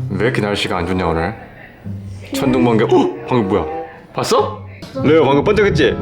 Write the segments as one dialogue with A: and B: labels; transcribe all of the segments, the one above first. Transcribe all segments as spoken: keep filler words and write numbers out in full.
A: 왜 이렇게 날씨가 안 좋냐 오늘? 천둥번개. 어? 방금 뭐야? 봤어? 레오 방금 번쩍했지?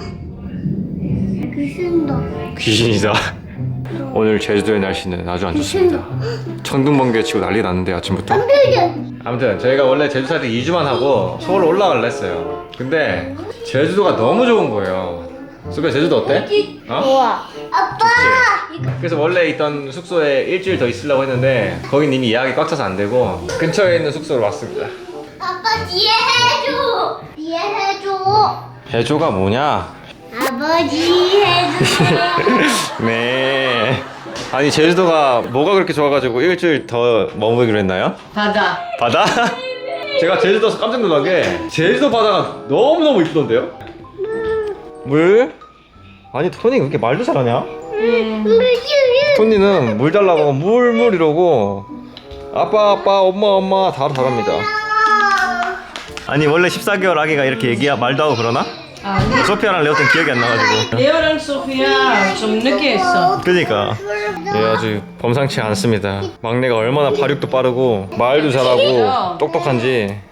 B: 귀신도.
A: 귀신이다. 오늘 제주도의 날씨는 아주 안 좋습니다. 천둥번개 치고 난리 났는데 아침부터. 아무튼 저희가 원래 제주 살 때 이 주만 하고 서울 올라가려 했어요. 근데 제주도가 너무 좋은 거예요. 수배 제주도 어때? 어?
B: 좋아. 아빠.
A: 그래서 원래 있던 숙소에 일주일 더 있으려고 했는데 거긴 이미 예약이 꽉 차서 안 되고 근처에 있는 숙소로 왔습니다.
B: 아빠 뒤에 해줘. 뒤에 해줘.
A: 해조가 뭐냐?
B: 아버지 해줘.
A: 네. 아니 제주도가 뭐가 그렇게 좋아가지고 일주일 더 머무르기로 했나요?
C: 바다.
A: 바다? 제가 제주도에서 깜짝 놀란 게 제주도 바다가 너무너무 이쁘던데요? 물? 아니 토니 왜 이렇게 말도 잘하냐? 토니는 물 달라고 물 물 이러고 아빠 아빠 엄마 엄마 다 잘합니다. 아니 원래 십사 개월 아기가 이렇게 얘기야 말도 하고 그러나?
C: 아니.
A: 소피아랑 레오 때는 기억이 안 나가지고.
C: 레오랑 소피아 좀 늦게 했어.
A: 그러니까 예 아주 범상치 않습니다. 막내가 얼마나 발육도 빠르고 말도 잘하고 똑똑한지.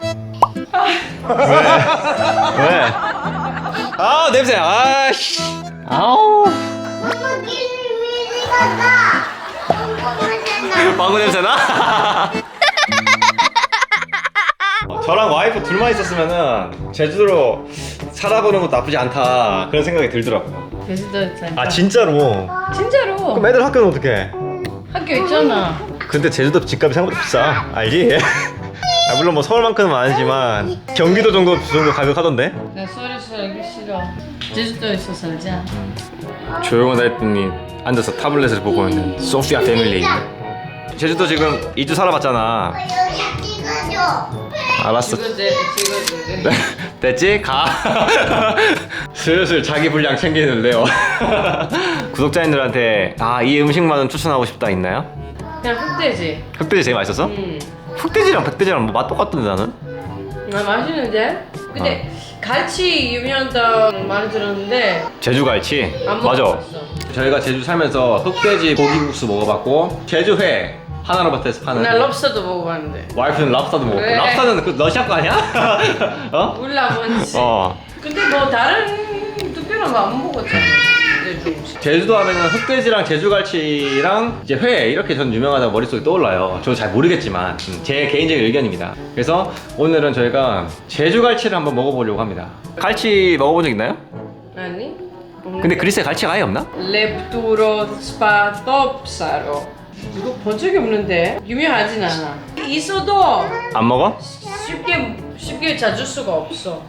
A: 왜? 왜? 아 냄새. 아씨. 아우.
B: 엄마 미리 갔다.
A: 방구 냄새 나? 저랑 와이프 둘만 있었으면은 제주도로 살아보는 것도 나쁘지 않다 그런 생각이 들더라고요.
C: 제주도 있잖아.
A: 아 진짜로?
C: 진짜로.
A: 그럼 애들 학교는 어떡해?
C: 학교 있잖아.
A: 근데 제주도 집값이 생각보다 비싸. 알지? 아, 물론 뭐 서울만큼은 아니지만 경기도 정도 정도 가격 하던데?
C: 나 서울에서 살기 싫어. 제주도에서 살자.
A: 조용하다 했더니 앉아서 타블렛을 보고 있는 소피아 패밀리. 제주도 지금 이 주 살아봤잖아.
B: 여기 찍어줘.
A: 알았어.
C: 찍어줘, 찍어줘.
A: 됐지? 가. 슬슬 자기 분량 챙기는 레오. 구독자님들한테 아 이 음식만은 추천하고 싶다 있나요?
C: 그냥 흑돼지.
A: 흑돼지 제일 맛있었어?
C: 응.
A: 흑돼지랑 백돼지랑 뭐 맛 똑같던데 나는?
C: 아 맛있는데? 근데 갈치 유명하다고 많이 들었는데
A: 제주갈치?
C: 안
A: 맞아.
C: 먹어봤어.
A: 저희가 제주 살면서 흑돼지 고기국수 먹어봤고 제주회 하나로마트에서 파는
C: 나 럽스터도 먹어봤는데.
A: 와이프는 랍스타도 먹었고
C: 왜?
A: 랍스타는 그 러시아 거 아니야? 어?
C: 몰라 뭔지.
A: 어
C: 근데 뭐 다른 특별한 거 안 먹었잖아. 제주 음식.
A: 제주도 하면은 흑돼지랑 제주갈치랑 이제 회 이렇게 전 유명하다고 머릿속에 떠올라요. 저도 잘 모르겠지만 음, 제 개인적인 의견입니다. 그래서 오늘은 저희가 제주갈치를 한번 먹어보려고 합니다. 갈치 먹어본 적 있나요?
C: 아니?
A: 근데 그리스에 갈치가 아예 없나?
C: 렙투로 스파톱사로. 이거 본 적이 없는데 유명하진 않아. 있어도
A: 안 먹어?
C: 쉽게 쉽게 찾을 수가 없어.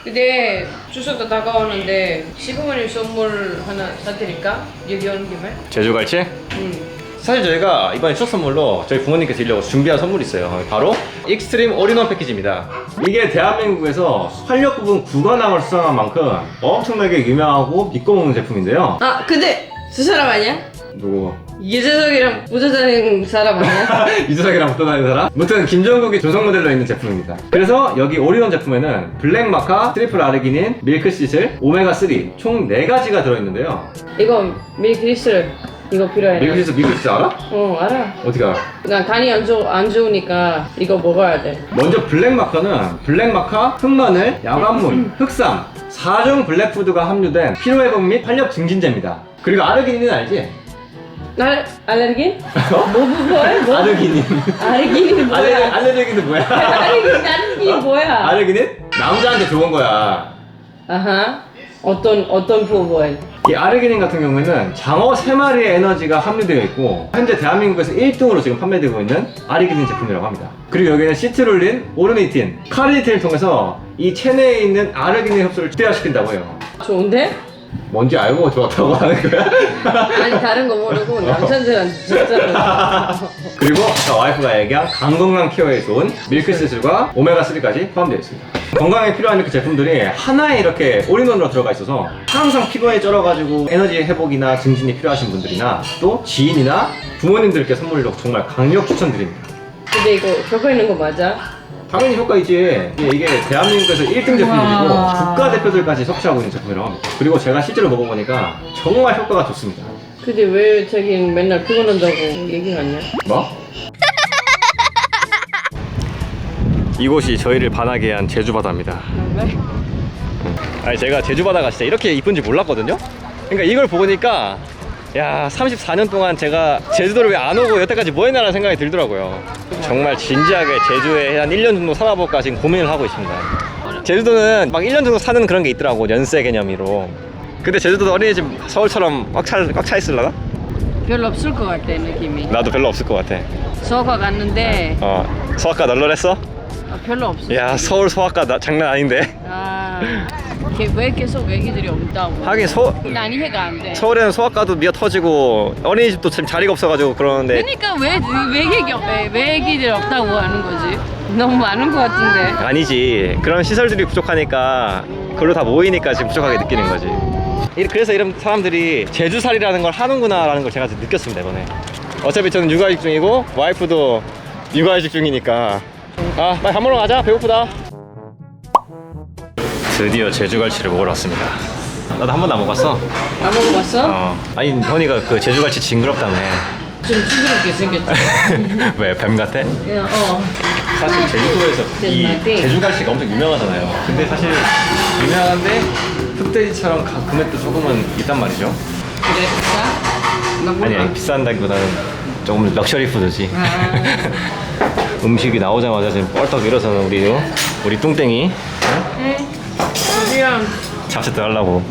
C: 근데 추석도 다가오는데 시부모님 선물 하나 사드릴까? 여기 오는 김에?
A: 제주갈치?
C: 응.
A: 사실 저희가 이번에 추석 선물로 저희 부모님께 드리려고 준비한 선물이 있어요. 바로 익스트림 올인원 패키지입니다. 이게 대한민국에서 활력 부분 구관왕을 수상한 만큼 엄청나게 유명하고 믿고 먹는 제품인데요.
C: 아 근데 두 사람 아니야?
A: 누구?
C: 이재석이랑 붙어 다니는 사람 아니야?
A: 이수석이랑 붙어 다니는 사람? 아무튼 김정국이 조성 모델로 있는 제품입니다. 그래서 여기 올인원 제품에는 블랙 마카, 트리플 아르기닌, 밀크시슬, 오메가삼 총 네 가지가 들어있는데요.
C: 이거 밀크리스를 이거 필요해.
A: 밀크시슬 밀크시슬 알아?
C: 어 알아.
A: 어떻게 알아?
C: 난 간이 안, 좋, 안 좋으니까 이거 먹어야 돼.
A: 먼저 블랙 마카는 블랙 마카, 흑마늘, 야간물, 흑삼 사 종 블랙푸드가 함유된 피로회복 및 활력 증진제입니다. 그리고 아르기닌은 알지?
C: 알, 알레르기?
A: 어?
C: 뭐, 뭐, 뭐야? 뭐?
A: 아르기닌.
C: 알레르기는 뭐야?
A: 알레르, 알레르기는 뭐야?
C: 알레르기, 알레르기 뭐야?
A: 아르기닌? 남자한테 좋은 거야.
C: 아하. 어떤, 어떤 부분?
A: 이 아르기닌 같은 경우에는 장어 세 마리의 에너지가 함유되어 있고 현재 대한민국에서 일 등으로 지금 판매되고 있는 아르기닌 제품이라고 합니다. 그리고 여기는 시트룰린, 오르니틴, 카르니틴을 통해서 이 체내에 있는 아르기닌 흡수를 극대화시킨다고 해요.
C: 좋은데?
A: 뭔지 알고 좋았다고 하는 거야?
C: 아니, 다른 거 모르고 남자들은 진짜로.
A: 그리고 아까 와이프가 얘기한 강건강 케어에 좋은 밀크시슬과 오메가삼까지 포함되어 있습니다. 건강에 필요한 이렇게 제품들이 하나에 이렇게 올인원으로 들어가 있어서 항상 피부에 쩔어가지고 에너지 회복이나 증진이 필요하신 분들이나 또 지인이나 부모님들께 선물로 정말 강력 추천드립니다.
C: 근데 이거 효과 있는 거 맞아?
A: 당연히 효과 있지. 이게 대한민국에서 일 등 제품이고
C: 와.
A: 국가대표들까지 섭취하고 있는 제품이라고 합니다. 그리고 제가 실제로 먹어보니까 정말 효과가 좋습니다.
C: 근데 왜 자기는 맨날 피곤한다고 얘기하냐?
A: 뭐? 이곳이 저희를 반하게 한 제주바다입니다.
C: 왜?
A: 아니 제가 제주바다가 진짜 이렇게 이쁜지 몰랐거든요. 그러니까 이걸 보니까 야 삼십사 년 동안 제가 제주도를 왜 안 오고 여태까지 뭐 했나라는 생각이 들더라고요. 정말 진지하게 제주에 한 일 년 정도 살아볼까 지금 고민을 하고 있습니다. 제주도는 막 일 년 정도 사는 그런 게 있더라고, 연세 개념으로. 근데 제주도도 어린이집 서울처럼 꽉 차, 꽉 차 있을라나?
C: 별로 없을 것 같아 느낌이.
A: 나도 별로 없을 것 같아.
C: 서가 갔는데
A: 어, 소아과 널널했어?
C: 아, 별로 없어.
A: 야 서울 소아과 나, 장난 아닌데.
C: 아, 걔 왜 계속 애기들이 없다고?
A: 하긴 서,
C: 난 이해가 안 돼.
A: 서울에는 소아과도 미어 터지고 어린이집도 참 자리가 없어가지고 그러는데.
C: 그러니까 왜왜 애기 없, 왜, 왜 애기들 없다고 하는 거지? 너무 많은 것 같은데.
A: 아니지, 그런 시설들이 부족하니까 그걸로 다 모이니까 지금 부족하게 느끼는 거지. 이- 그래서 이런 사람들이 제주살이라는 걸 하는구나 라는 걸 제가 느꼈습니다 이번에. 어차피 저는 육아휴직 중이고 와이프도 육아휴직 중이니까. 아 빨리 밥 먹으러 가자, 배고프다. 드디어 제주갈치를 먹으러 왔습니다. 나도 한 번도 안 먹었어.
C: 안 먹어봤어?
A: 어. 아니 현이가 그 제주갈치 징그럽다며.
C: 좀 징그럽게 생겼지.
A: 왜 뱀 같아?
C: 그냥 어.
A: 사실 제주도에서 이
C: 제주갈치.
A: 제주갈치가 엄청 유명하잖아요. 근데 사실 유명한데 흑돼지처럼 가- 금액도 조금은 있단 말이죠.
C: 그래 진짜? 나 몰라.
A: 아니, 아니 비싼다기보다는 조금 럭셔리 푸드지.
C: 아.
A: 음식이 나오자마자 지금 뻘떡 일어서는 우리 우리 뚱땡이
C: 응. 미안.
A: 잡채 하려고.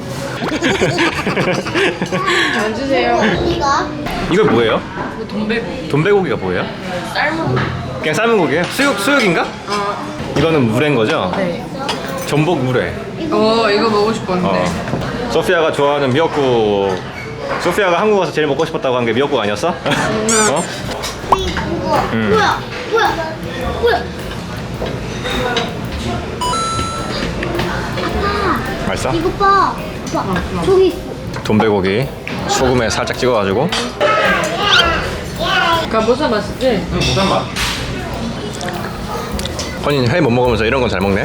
C: 앉으세요.
B: 이거?
A: 이거 뭐예요?
C: 이거 돈배고.
A: 돈배고기가 뭐예요?
C: 삶은.
A: 그냥 삶은 고기예요? 수육 수육인가?
C: 어.
A: 이거는 물회인 거죠?
C: 네.
A: 전복 물회.
C: 어 이거 먹고 싶었는데.
A: 어. 소피아가 좋아하는 미역국. 소피아가 한국 와서 제일 먹고 싶었다고 한 게 미역국 아니었어? 어?
B: 이거
A: 음.
B: 뭐야? 뭐야? 뭐야?
A: 맛있어?
B: 이거 봐. 봐. 저기 있어.
A: 돈배고기 소금에 살짝 찍어가지고.
C: 가보사 맛있지?
A: 응, 부산 맛. 허니는 회 못 먹으면서 이런 건 잘 먹네.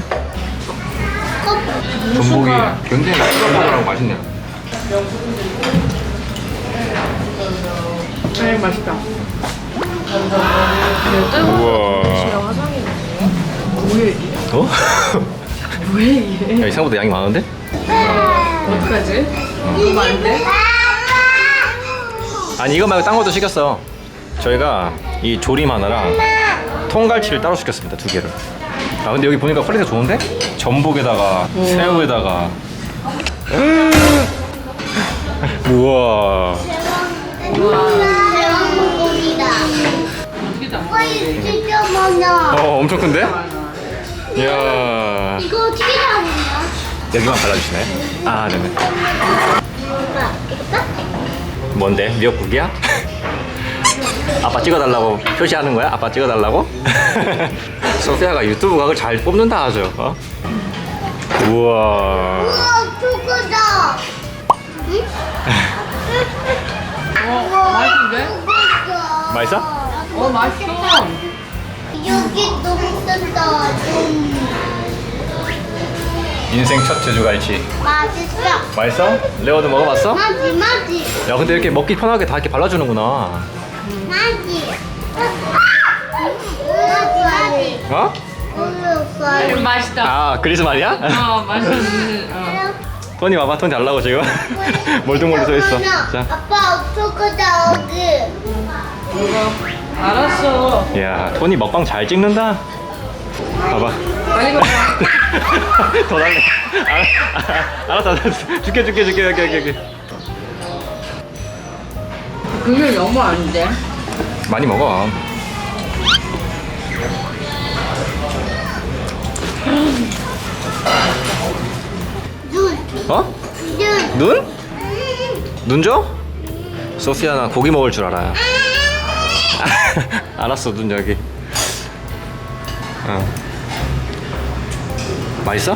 A: 전복이 굉장히 쫄깃쫄깃하고 맛있네요.
C: 네 맛있다.
A: 우와.
C: 뭐야 이게?
A: 어?
C: 뭐야 이게?
A: 야, 이 생각보다 양이 많은데?
C: 어떡하지? 너무 많은데?
A: 아니 이거 말고 딴 것도 시켰어. 저희가 이 조림 하나랑 통갈치를 따로 시켰습니다, 두 개를. 아 근데 여기 보니까 퀄리티가 좋은데? 전복에다가 새우에다가. 우와.
B: 대왕 물고기다.
C: 어떻게 다
B: 와, 이거 진짜 많아.
A: 어 엄청 큰데? 이야.
B: 이거 어떻게 잡냐?
A: 여기만 발라주시나요? 아 네네.
B: 엄마, 이거 봐?
A: 뭔데? 미역국이야? 아빠 찍어달라고 표시하는 거야? 아빠 찍어달라고? 소피아가 유튜브 각을 잘 뽑는다 아주. 어? 우와.
B: 우와, 초코다. 응?
C: 어 맛있는데?
B: 초코다.
A: 맛있어?
C: 어 맛있어.
B: 여기 너무 뜬다. 좀
A: 인생 첫 제주갈치.
B: 맛있어.
A: 맛있어? 레오도 먹어봤어?
B: 맛이 맛이
A: 야 근데 이렇게 먹기 편하게 다 이렇게 발라주는구나.
B: 맛이. 맛이 맛이.
A: 어?
B: 어렸어요.
C: 맛있다.
A: 아 그리스 말이야?
C: 어 맛있는. 어.
A: 토니 와봐. 토니 달라고 지금. 멀뚱멀리 서 있어. 자.
B: 아빠 초코다 여기.
C: 이거 알았어.
A: 야 토니 먹방 잘 찍는다. 봐봐.
C: 빨리 먹어.
A: 더 달래. 알- 알았어, 알았어. 줄게, 줄게, 줄게, 여기, 여기, 여기.
C: 그게 너무 아닌데?
A: 많이 먹어.
B: 눈.
A: 어?
B: 눈.
A: 눈? 눈 줘? 소피아 나 고기 먹을 줄 알아. 알았어, 눈 여기. 어. 맛있어?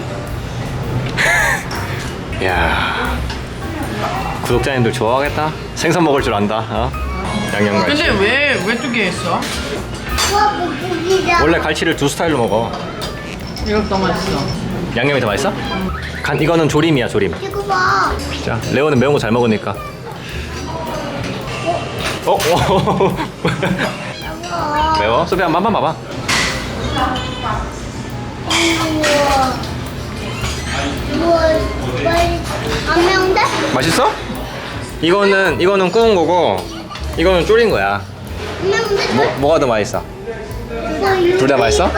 A: 야 구독자님들 좋아하겠다. 생선 먹을 줄 안다. 어? 양념갈치.
C: 근데 왜 왜 두 개 했어?
B: 우와 물고기다.
A: 원래 갈치를 두 스타일로 먹어.
C: 이거 더 맛있어.
A: 양념이 더 맛있어? 간 이거는 조림이야, 조림.
B: 이거 봐.
A: 자, 레오는 매운 거 잘 먹으니까. 어? 어?
B: 이거.
A: 매워? 소피 한 번만 봐봐.
B: 우와. 우와. 빨리 안 매운데?
A: 맛있어? 이거는 이거는 구운 거고 이거는 졸인 거야.
B: 안 매운데?
A: 뭐, 뭐가 더 맛있어? 둘 다 맛있어?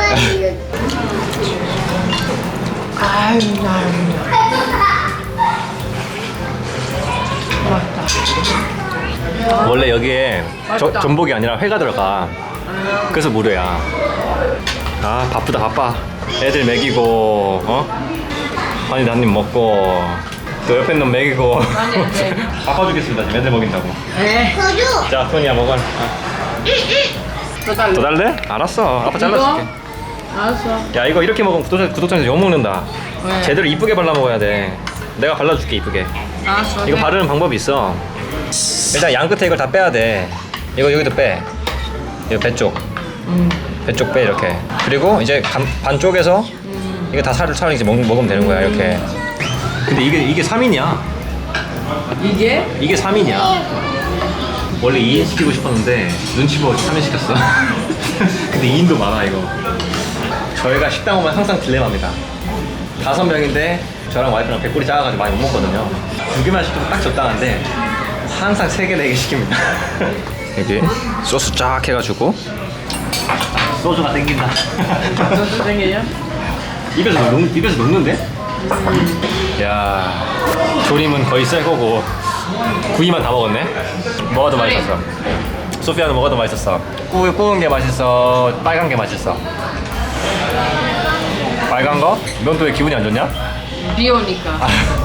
C: 아유 나 맛있다.
A: 원래 여기에 저,
C: 맛있다.
A: 전복이 아니라 회가 들어가. 그래서 무료야. 아 바쁘다 바빠. 애들 먹이고 어? 아니 나님 먹고 또 옆에 놈 먹이고.
C: 아니, 네.
A: 바빠 죽겠습니다 지금 애들 먹인다고.
C: 에.
B: 저도.
A: 자 토니야 먹어. 아.
C: 더 달래.
A: 더 달래? 알았어. 아빠 잘라줄게.
C: 알았어.
A: 야 이거 이렇게 먹으면 구독자, 구독자한테 욕먹는다.
C: 왜?
A: 제대로 이쁘게 발라 먹어야 돼. 내가 발라줄게 이쁘게.
C: 알았어.
A: 이거
C: 네.
A: 바르는 방법이 있어. 일단 양 끝에 이걸 다 빼야 돼. 이거 여기도 빼. 이거 배 쪽.
C: 음.
A: 배 쪽 빼 이렇게. 그리고 이제 간, 반 쪽에서
C: 음.
A: 이거 다 살을 차려 이제 먹, 먹으면 되는 거야 이렇게. 근데 이게 이게 삼 인이야.
C: 이게?
A: 이게 삼 인이야. 원래 이 인 시키고 싶었는데 눈치 보고 삼 인 시켰어. 근데 이 인도 많아 이거. 저희가 식당 오면 항상 딜레마입니다. 다섯 명인데 저랑 와이프랑 배꼽이 작아가지고 많이 못 먹거든요. 두 개만 시키면 딱 적당한데 항상 세 개, 네 개 시킵니다. 여기 소스 쫙 해가지고 소주가 땡긴다.
C: 너도 생겨요?
A: 입에서 녹, 입에서 녹는데? 야 조림은 거의 새 거고 구이만 다 먹었네. 뭐가 더 맛있었어? 소피아는 뭐가 더 맛있었어? 구, 구운 게 맛있어? 빨간 게 맛있어? 빨간 거? 넌 또 왜 기분이 안 좋냐?
C: 비 오니까.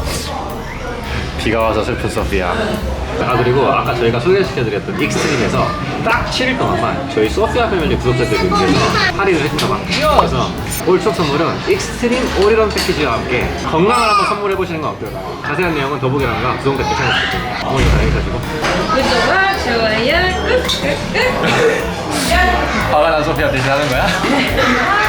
A: 비가 와서 슬픈 소피아. 아 그리고 아까 저희가 소개시켜드렸던 익스트림에서 딱 칠 일 동안만 저희 소피아 패밀리 구독자들을 위해서 할인을 해준다고 합니다. 그래서 올 추석 선물은 익스트림 올인원 패키지와 함께 건강을 한번 선물해보시는 건 어떨까요? 자세한 내용은 더보기란과 구독 댓글 참여해주세요. 어머니 다 여기까지고.
C: 구독과 좋아요 꾹꾹꾹.
A: 화가 난 소피아 대신 하는 거야?